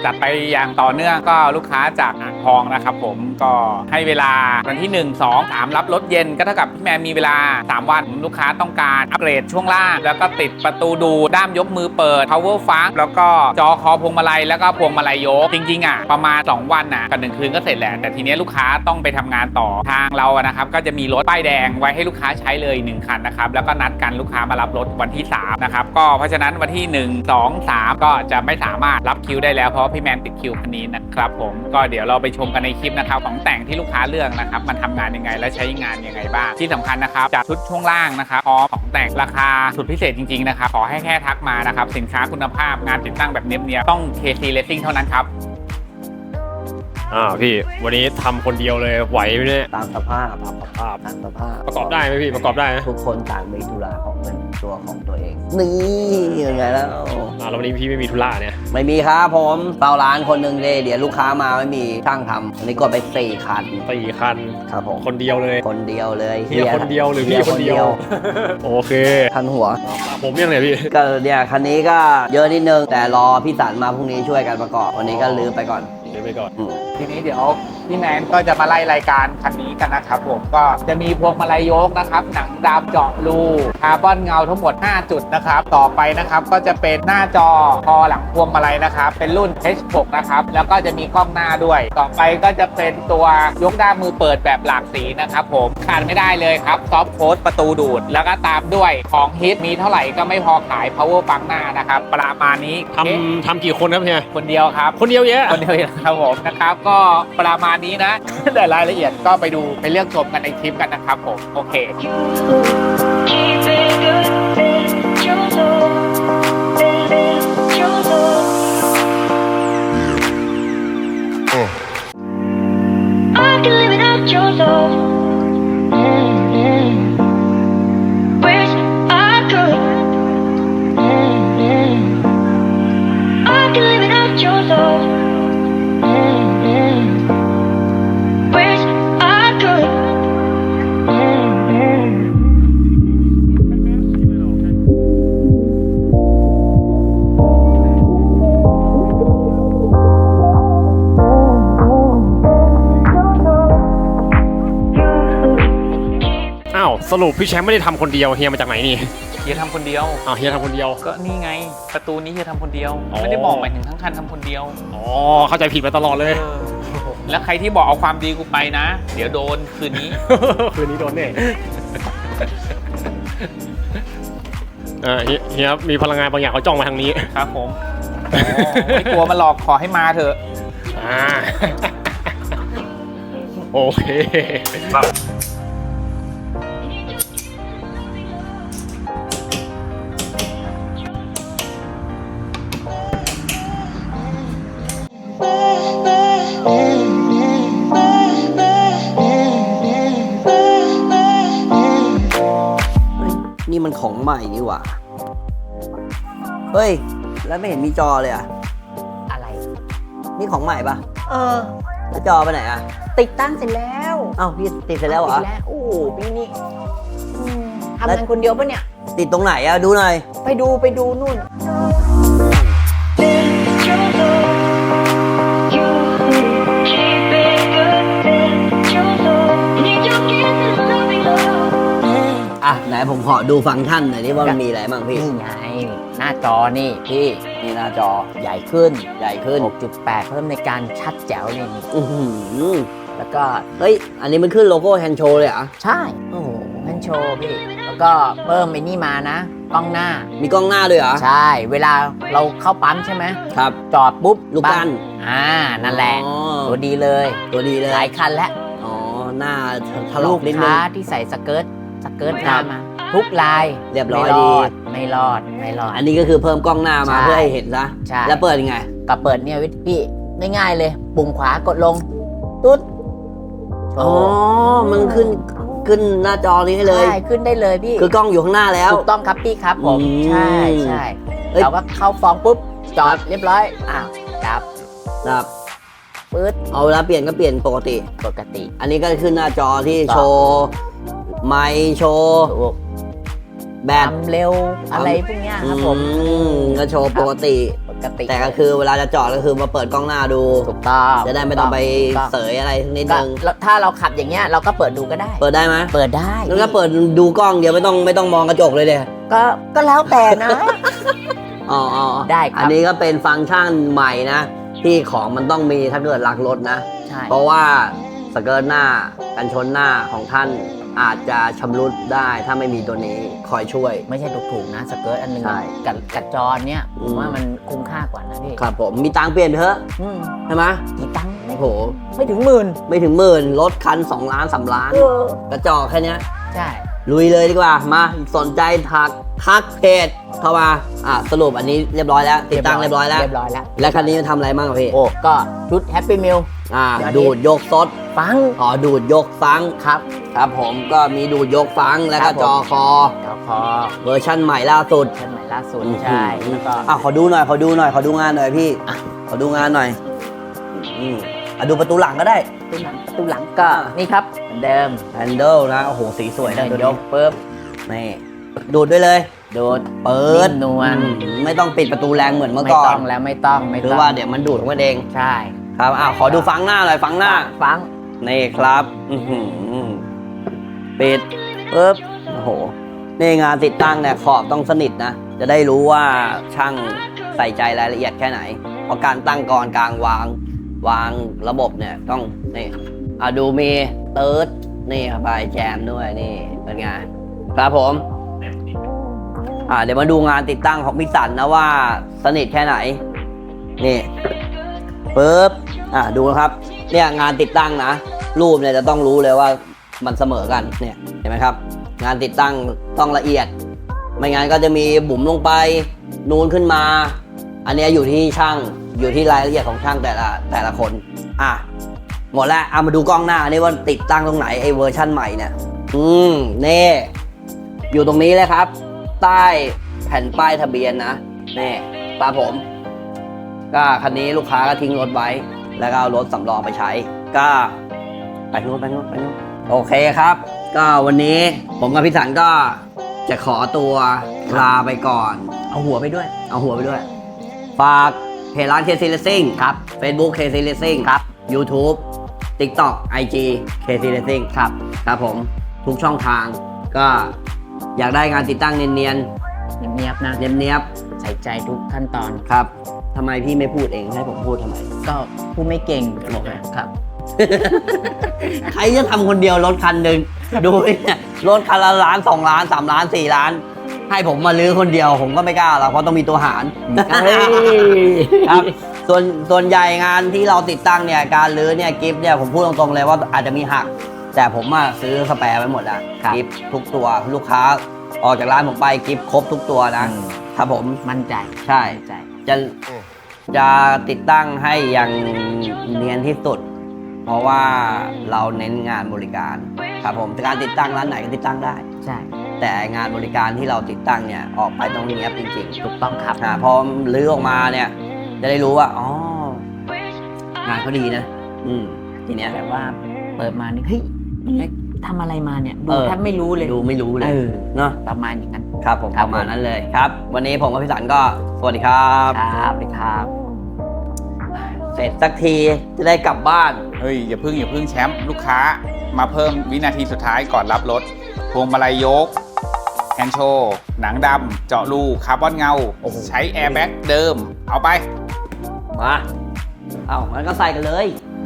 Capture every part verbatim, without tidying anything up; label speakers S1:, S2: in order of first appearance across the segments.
S1: จัดไปอย่างต่อเนื่องก็ลูกค้าจากอ่างทองนะครับผมก็ให้เวลาวันที่หนึ่ง สอง สามรับรถเย็นก็เท่ากับพี่แมนมีเวลาสามวันลูกค้าต้องการอัปเกรดช่วงล่างแล้วก็ติดประตูดูด้ามยกมือเปิด power funk แล้วก็จอคอพวงมาลัยแล้วก็พวงมาลัยยกจริงๆอ่ะประมาณสองวันน่ะกับหนึ่งคืนก็เสร็จแหละแต่ทีนี้ลูกค้าต้องไปทำงานต่อทางเราอะนะครับก็จะมีรถป้ายแดงไว้ให้ลูกค้าใช้เลยหนึ่งคันนะครับแล้วก็นัดกันลูกค้ามารับรถวันที่สามนะครับก็เพราะฉะนั้นวันที่หนึ่ง สอง สามก็จะไม่สามารถรับคิวได้แล้วเพราะพี่แมนติดคิวคันนี้นะครับผมก็เดี๋ยวเราไปชมกันในคลิปนะครับของแต่งที่ลูกค้าเลือกนะครับมันทำงานยังไงและใช้งานยังไงบ้างที่สำคัญนะครับจากชุดช่วงล่างนะครับพร้อมของแต่งราคาสุดพิเศษจริงๆนะครับขอให้แค่ทักมานะครับสินค้าคุณภาพงานติดตั้งแบบเนียบๆต้อง เค ซี Racing เท่านั้นครับ
S2: อ่าพี่วันนี้ทำคนเดียวเลยไหวไหมเนี่ย
S3: ตามสภาพตามสภาพตามสภาพ
S2: ประกอบได้ไหมพี่ประกอบได้ไหม
S3: ทุกคนต่างมีธุระของเป็นตัวของตัวเองนี่ยังไงแล้ว
S2: อ่าแล้ววันนี้พี่ไม่มีธุระเนี่ย
S3: ไม่มีครับผมเฝ้าร้านคนหนึ่งเลยเดี๋ยวลูกค้ามาไม่มีช่างทำวันนี้กดไปสี่คัน
S2: สี่คัน
S3: ครับผม
S2: คนเดียวเลย
S3: คนเดียวเลย
S2: เฮียคนเดียวหรือพี่คนเดียวโอเค
S3: คันหัว
S2: ผมยังไงพี่
S3: ก็เนี่ยคันนี้ก็เยอะนิดนึงแต่รอพี่สันมาพรุ่งนี้ช่วยกันประกอบวันนี้ก็ลืมไปก่อน
S2: ลืมไปก่อน
S1: ทีนี้เดี๋ยวพี่แมนก็จะมาไล่รายการคันนี้กันนะครับผมก็จะมีพวงมาลัยยกนะครับหนังดำเจาะรูคาร์บอนเงาทั้งหมดห้าจุดนะครับต่อไปนะครับก็จะเป็นหน้าจอคอหลังพวงมาลัยนะครับเป็นรุ่น เอช หก นะครับแล้วก็จะมีกล้องหน้าด้วยต่อไปก็จะเป็นตัวยกด้ามมือเปิดแบบหลากสีนะครับผมขาดไม่ได้เลยครับซอฟต์โค้ดประตูดูดแล้วก็ตามด้วยของฮิตมีเท่าไหร่ก็ไม่พอขาย power funk หน้านะครับประมาณนี้
S2: ทำทำกี่คนครับเฮีย
S1: คนเดียวครับ
S2: คนเดียวเยอะ
S1: คนเดียวครับผมนะครับก็ประมาณนี้นะแต่รายละเอียดก็ไปดูไปเลือกชมกันในคลิปกันนะครับผมโอเค
S2: สรุปพี่แชมป์ไม่ได้ทำคนเดียวเฮียมาจากไหนนี่
S1: เฮียทำคนเดียว
S2: อ้าวเฮียทำคนเดียว
S1: ก็นี่ไงประตูนี้เฮียทำคนเดียวไม่ได้บอกหมายถึงทั้งคันทำคนเดียว
S2: อ๋อเข้าใจผิดมาตลอดเลย
S1: แล้วใครที่บอกเอาความดีกูไปนะเดี๋ยวโดนคืนนี้
S2: คืนนี้โดนแน่เออเฮียมีพลังงานบางอย่างเขาจ้องมาทางนี้
S1: ครับผมไม่กลัวมาหลอกขอให้มาเถอะ
S2: อ่าโอเค
S3: นี่มันของใหม่นี่หว่าเฮ้ยแล้วไม่เห็นมีจอเลยอะ
S4: อะไร
S3: นี่ของใหม่ปะ
S4: เออ
S3: แล้วจอไปไหนอะ
S4: ติดตั้งเสร็จแล้ว
S3: อ้าวพี่ติดเสร็จแล้วเหรอ
S4: ติดแล้วโอ้พี่นี่ทำงานคนเดียวปะเนี่ย
S3: ติดตรงไหนอะดูหน่อย
S4: ไปดูไปดูนู่น
S3: อ่ะไหนผมขอดูฟังก์ชันหน่อยนี่ว่ามันมีอะไรบ้างพี่
S4: นี่ไงหน้าจอนี่พี่
S3: นี่หน้าจอ
S4: ใหญ่ขึ้น
S3: ใหญ่ขึ้น
S4: หกจุดแปด เพิ่มในการชัดแจ๋วเลยนี่
S3: อือหือ
S4: แล้วก็
S3: เฮ้ยอันนี้มันขึ้นโลโก้แฮนด์โชว์เลยเหรอ
S4: ใช่โอ้โหแฮนด์โชว์พี่แล้วก็เพิ่มไอ้นี่มานะกล้องหน้า
S3: มีกล้องหน้าด้วยเหรอ
S4: ใช่เวลาเราเข้าปั๊มใช่ไหม
S3: ครับ
S4: จอดปุ๊บ
S3: ลูกกั้น
S4: อ่านั่นแหละตัวดีเลย
S3: ตัวดีเลย
S4: หลายคันแล้ว
S3: อ๋อหน้าถลอกนิดนึง
S4: ลูกค้าที่ใส่สเกิร์ตสเกิร์ตหน้ามาทุกลาย
S3: เรียบร้อยดี
S4: ไม่รอดไม่รอด
S3: อันนี้ก็คือเพิ่มกล้องหน้ามาเพื่อให้เห็นซะแล้วเปิดยังไง
S4: ก็เปิดเนี่ยวิธีพี่ง่ายๆเลยปุ่มขวากดลงตุ๊ด
S3: อ๋อมันขึ้นขึ้นหน้าจอนี้ให้เลย
S4: ใช่ขึ้นได้เลยพี่
S3: คือกล้องอยู่ข้างหน้าแล้ว
S4: ถูกต้องครับพี่ครับผมใช่ใช่เราก็เข้าฟองปุ๊บจอดเรียบร้อยอ้าวดับ
S3: ดับ
S4: ปึ๊ด
S3: เอาเวลาเปลี่ยนก็เปลี่ยนปกติ
S4: ปกติ
S3: อันนี้ก็ขึ้นหน้าจอที่โชว์ไมค์โชว์แบบ
S4: เร็วอะไรพวกนี้ครับผม
S3: ก็โชว์ปกติ
S4: ปกติ
S3: แต่ก็คือเวลาจะจอดก็คือมาเปิดกล้องหน้าดู
S4: ถูกต้อง
S3: จะได้ไม่ต้องไปเสยอะไรนิด
S4: ก็
S3: นึง
S4: ถ้าเราขับอย่างเงี้ยเราก็เปิดดูก็ได้
S3: เปิดได้ไหม
S4: เปิดได้
S3: แล้วก็เปิดดูกล้องเดียวไม่ต้องไม่ต้องมองกระจกเลยเด้
S4: ก็ก็แล้วแต่นะ
S3: อ๋ออ๋อ
S4: ได้ครับ
S3: อันนี้ก็เป็นฟังก์ชันใหม่นะ ที่ของมันต้องมีถ้าเกิดรักรถนะ
S4: ใช่
S3: เพราะว่าสเกิร์ตหน้ากันชนหน้าของท่านอาจจะชำรุดได้ถ้าไม่มีตัวนี้คอยช่วย
S4: ไม่ใช่ถูกๆนะสเกิร์ตอันหนึง
S3: ใช่
S4: กับกับจอเนี่ย
S3: อื
S4: ผม มว่ามันคุ้มค่ากว่านะพี่
S3: ครับผมมีตังค์เปลี่ยนเถอะ
S4: อืม
S3: ใช่ไหม
S4: กี่ตังค์ไม่
S3: โอ้โห
S4: ไม่ถึงหมื่น
S3: ไม่ถึงหมื่นรถคันสองล้านสามล้าน
S4: เออก
S3: ระจอกแค่เนี้ย
S4: ใช่
S3: ลุยเลยดีกว่ามาสนใจทักทักเพจเข้ามาอ่ะสรุปอันนี้เรียบร้อยแล้วติดตั้งเรียบร้อยแล้ว
S4: เรียบร้อยแล้ว
S3: และคันนี้มันทำอะไรบ้างอะพี่
S4: โอ้ก็ชุดแฮปปี้มิล
S3: อ่า
S4: เดี๋ยวนี้
S3: ดูดยกซด
S4: ฟัง
S3: อ๋อดูดยกฟัง
S4: ครับ
S3: ครับผมก็มีดูดยกฟังแล้ว
S4: ครั
S3: ก็
S4: บผม
S3: จอคอ
S4: จอคอ
S3: เวอร์ชั่นใหม่ล่าสุด
S4: ชั้นใหม่ล่าสุดใช่แล้วก็
S3: อ่ะขอดูหน่อยขอดูหน่อยขอดูงานหน่อยพี่
S4: อ่ะ
S3: ขอดูงานหน่อยอืมอ่ะดูประตูหลังก็ได้
S4: ตู้หลังตู้หลังก็นี่ครับเหมือนเดิม
S3: แฮนเดิลนะโอ้โหสีสวยนะ
S4: เดิ
S3: ตัวน
S4: ย
S3: นี้
S4: กปุ๊บ
S3: นี่ดูดด้วยเลย
S4: โดด
S3: เปิด
S4: นิ่มนวล
S3: อืมไม่ต้องปิดประตูแรงเหมือนเมื่อ
S4: ไม่
S3: ก่อ
S4: ต้อน งแล้วไม่ต้องไม่
S3: คือ
S4: ต้อง
S3: ว่าเดี๋ยวมันดูดของมันเอง
S4: ใช่
S3: ครับอ่ะขอดูฟังหน้าหน่อยฟังหน้า
S4: ฟัง
S3: นี่ครับอือหือปิดปุ๊บโอ้โหนี่งานติดตั้งเนี่ยขอบต้องสนิทนะ จะได้รู้ว่าช่างใส่ใจรายละเอียดแค่ไหน เพราะการตั้งกรกลางวางวางระบบเนี่ยต้องนี่อ่ะดูมีเติร์ดนี่ครับบายแจมด้วยนี่เป็นไงครับผมอ่ะเดี๋ยวมาดูงานติดตั้งของพิสันนะว่าสนิทแค่ไหนนี่ปุ๊บอ่ะดูนะครับเนี่ยงานติดตั้งนะ รูปเนี่ยจะต้องรู้เลยว่ามันเสมอกันเนี่ยเห็นไหมครับ งานติดตั้งต้องละเอียด ไม่งั้นก็จะมีบุ๋มลงไปนูนขึ้นมา อันเนี้ยอยู่ที่ช่างอยู่ที่รายละเอียดของช่างแต่ละแต่ละคนอ่ะหมดแล้วเอามาดูกล้องหน้านี่ว่าติดตั้งตรงไหนไอ้เวอร์ชั่นใหม่เนี่ยอืมนี่อยู่ตรงนี้เลยครับ ใต้แผ่นป้ายทะเบียนนะนี่ตามผม ก็คันนี้ลูกค้าก็ทิ้งรถไว้ แล้วก็เอารถสำรองไปใช้ ก็ไปนู้นไปนู้นไปนู้นโอเคครับ ก็วันนี้ผมกับพี่สันก็จะขอตัวลาไปก่อน
S4: เอาหัวไปด้วย
S3: เอาหัวไปด้วย ฝากเพจร้าน เค ซี Racing
S4: ครับ
S3: Facebook เค ซี Racing
S4: ครับ
S3: YouTube TikTok ไอ จี เค ซี Racing
S4: ครับ
S3: ครับผมทุกช่องทางก็อยากได้งานติดตั้งเนียน
S4: เงียบๆนะ
S3: ๆเนียบ
S4: ใส่ใจทุกขั้นตอน
S3: ๆครับทำไมพี่ไม่พูดเองให้ผมพูดทำไม
S4: ก็พูดไม่เก่ง
S3: บอกไหม
S4: ครับ
S3: ใครจะทำคนเดียวรถคันหนึ่งดูเนี่ยรถคันละล้านสองล้านสามล้านสี่ล้าน ให้ผมมาลื้อคนเดียวผมก็ไม่กล้าหรอกเพราะต้องมีตัวหาร
S4: เฮ้ย
S3: ครับส่วนส่วนใหญ่งานที่เราติดตั้งเนี่ยการลื้อเนี่ยกิฟต์เนี่ยผมพูดตรงๆเลยว่าอาจจะมีหัก แต่ผมอะซื้อสแปร์ไว้หมดแล้ว
S4: ครับ
S3: กิฟต์ทุกตัวลูกค้าออกจากร้านผมไปกิฟต์ครบทุกตัวนะ
S4: อืม
S3: ครับผม
S4: มั่นใจ
S3: ใช่
S4: มั่นใจ
S3: จะจะติดตั้งให้อย่างเนียนที่สุด เพราะว่าเราเน้นงานบริการครับผมการติดตั้งร้านไหนก็ติดตั้งได้
S4: ใช่
S3: แต่งานบริการที่เราติดตั้งเนี่ยออกไปต้องเนี้ยบจริง
S4: ถูกต้องครับ
S3: ๆอ่าพอลื้อออกมาเนี่ยจะได้รู้ว่าอ๋องานเขาดีนะ อืมทีเนี้ย
S4: แบบว่าเปิดมานี่เฮ้ยนี่ทำอะไรมาเนี่ยดู
S3: เออ
S4: แทบไม่รู้เลย
S3: ดูไม่รู้เลย
S4: เออ
S3: เนาะ
S4: ประมาณอย่างนั้น
S3: ครับผม
S4: ครั
S3: ป
S4: บ
S3: ระมาณนั้นเลยครับ วันนี้ผมกับพี่สันก็สวัสดีครับ
S4: ครับเลยครับ
S3: เสร็จสักทีจะได้กลับบ้าน
S1: เฮ้ยอย่าพึ่งอย่าพึ่งแชมป์ลูกค้ามาเพิ่มวินาทีสุดท้ายก่อนรับรถพวงมาลัยยกแฮนด์โชว์หนังดำเจาะรูคาร์บอนเงา ใช้แอร์แบ็กเดิม เอาไป
S3: มาเอางั้นก็ใส่กันเลย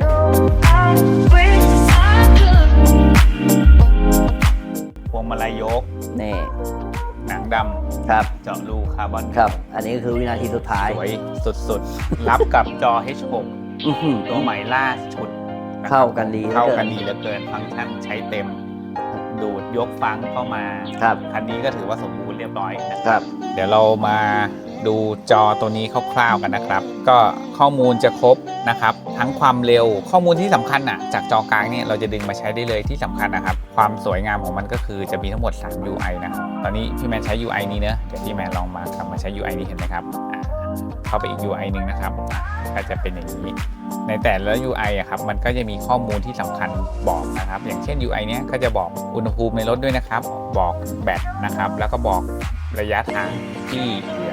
S1: พวงมาลัยยก
S3: นี่
S1: หนังด
S3: ครับ
S1: ำเจาะรูคาร์บอน
S3: ครับ อันนี้ก็คือวินาทีสุดท้าย
S1: สวยสุดๆ รับกับจอ เอช หก
S3: อื้อหือ
S1: ตัวใหม่ล่าสุดะครับ
S3: เข้ากันดี
S1: เข้ากัน
S3: หลือ
S1: ดีเหลือเกินฟังก์ชันใช้เต็ม ดูดยกฟังเข้ามา
S3: ครับ
S1: คันนี้ก็ถือว่าสมบูรณ์เรียบร้อยนะ
S3: ครับ
S1: เดี๋ยวเรามาดูจอตัวนี้คร่าวๆกันนะครับ ก็ข้อมูลจะครบนะครับ ทั้งความเร็วข้อมูลที่สำคัญอ่ะจากจอกลางเนี่ยเราจะดึงมาใช้ได้เลยที่สำคัญนะครับ ความสวยงามของมันก็คือจะมีทั้งหมด สาม ยู ไอ นะครับ ตอนนี้พี่แมนใช้ ยู ไอ นี้เนอะเดี๋ยวพี่แมนลองมากลับมาใช้ ยู ไอ นี้เห็นไหมครับอ่าเข้าไปอีก ยู ไอ หนึ่งนะครับอ่ะก็จะเป็นอย่างนี้ ในแต่ละ ยู ไอ อะครับมันก็จะมีข้อมูลที่สำคัญบอกนะครับ อย่างเช่น ยู ไอ เนี้ยก็จะบอกอุณหภูมิในรถด้วยนะครับ บอกแบตนะครับ แล้วก็บอกระยะทางที่เหลือนะครับ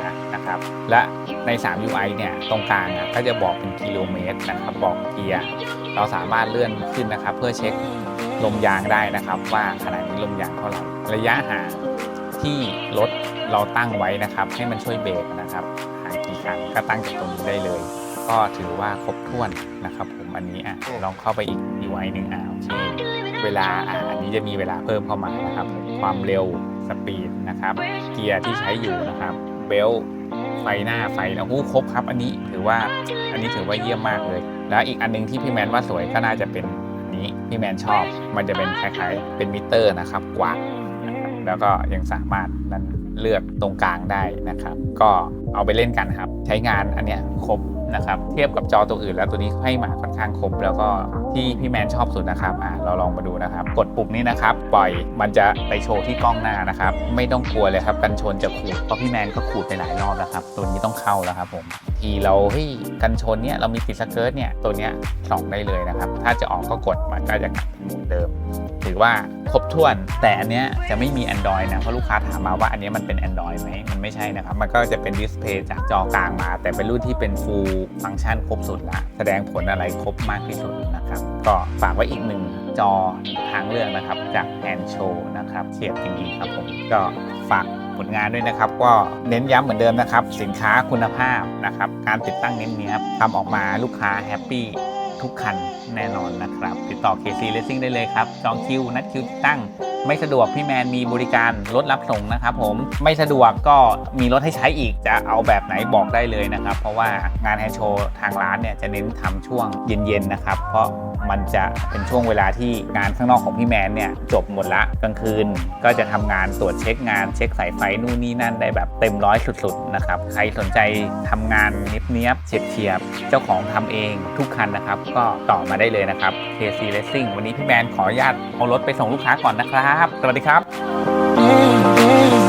S1: นะครับและใน สาม ยู ไอ เนี่ยตรงกลางอ่ะก็จะบอกเป็นกิโลเมตรนะครับบอกเกียร์เราสามารถเลื่อนขึ้นนะครับเพื่อเช็คลมยางได้นะครับว่าขณะนี้ลมยางเท่าไหร่ระยะห่างที่รถเราตั้งไว้นะครับให้มันช่วยเบรกนะครับห่างกี่ครั้งก็ตั้งจากตรงนี้ได้เลยก็ถือว่าครบถ้วนนะครับผมอันนี้อ่ะลองเข้าไปอีก ยู ไอ หนึ่งอ่ะโอเคเวลาอ่ะอันนี้จะมีเวลาเพิ่มเข้ามานะครับความเร็วสปีดนะครับเกียร์ที่ใช้อยู่นะครับเบลไฟหน้าไฟแล้วหูครบครับอันนี้ถือว่าอันนี้ถือว่าเยี่ยมมากเลยแล้วอีกอันนึงที่พี่แมนว่าสวยก็น่าจะเป็นอันนี้พี่แมนชอบมันจะเป็นคล้ายๆเป็นมิเตอร์นะครับกว้างนะครับแล้วก็ยังสามารถนั้นเลือกตรงกลางได้นะครับก็เอาไปเล่นกันครับใช้งานอันเนี้ยครบนะครับเทียบกับจอตัวอื่นแล้วตัวนี้ให้มาค่อนข้างครบแล้วก็ที่พี่แมนชอบสุดนะครับอ่ะเราลองมาดูนะครับกดปุ่มนี้นะครับปล่อยมันจะไปโชว์ที่กล้องหน้านะครับไม่ต้องกลัวเลยครับกันชนจะขูดเพราะพี่แมนก็ขูดไปหลายรอบแล้วครับตัวนี้ต้องเข้าแล้วครับผมทีเราเฮ้ยกันชนเนี่ยเรามีติดสเกิร์ตเนี่ยตัวเนี้ยส่องได้เลยนะครับถ้าจะออกก็กดมันก็จะกลับเป็นโหมดเดิมถือว่าครบถ้วนแต่อันเนี้ยจะไม่มี Android นะเพราะลูกค้าถามมาว่าอันนี้มันเป็น Android ไหมมันไม่ใช่นะครับมันก็จะเป็นดิสเพลย์จากจอกลางมาแต่เป็นรุ่นที่เป็น full ฟังก์ชันครบสุดละแสดงผลอะไรครบมากที่สุดนะครับก็ฝากไว้อีกหนึ่งจอทางเลือกนะครับจากแอนโชนะครับเฉียบจริงๆครับผมก็ฝากผลงานด้วยนะครับก็เน้นย้ำเหมือนเดิมนะครับสินค้าคุณภาพนะครับการติดตั้งเน้นเนี้ยทำออกมาลูกค้าแฮปปี้ทุกคันแน่นอนนะครับติดต่อ เค ซี Racing ได้เลยครับจองคิวนัดคิวติดตั้งไม่สะดวกพี่แมนมีบริการรถรับส่งนะครับผมไม่สะดวกก็มีรถให้ใช้อีกจะเอาแบบไหนบอกได้เลยนะครับเพราะว่างานแฮนด์โชว์ทางร้านเนี่ยจะเน้นทำช่วงเย็นๆนะครับเพราะมันจะเป็นช่วงเวลาที่งานข้างนอกของพี่แมนเนี่ยจบหมดละกลางคืนก็จะทำงานตรวจเช็คงานเช็คสายไฟนู่นนี่นั่นได้แบบเต็มร้อยสุดๆนะครับใครสนใจทำงานเนี้ยบๆเฉียบๆเจ้าของทำเองทุกคันนะครับก็ต่อมาได้เลยนะครับ เค ซี Racing วันนี้พี่แมนขออนุญาตเอารถไปส่งลูกค้าก่อนนะครับสวัสดีครับ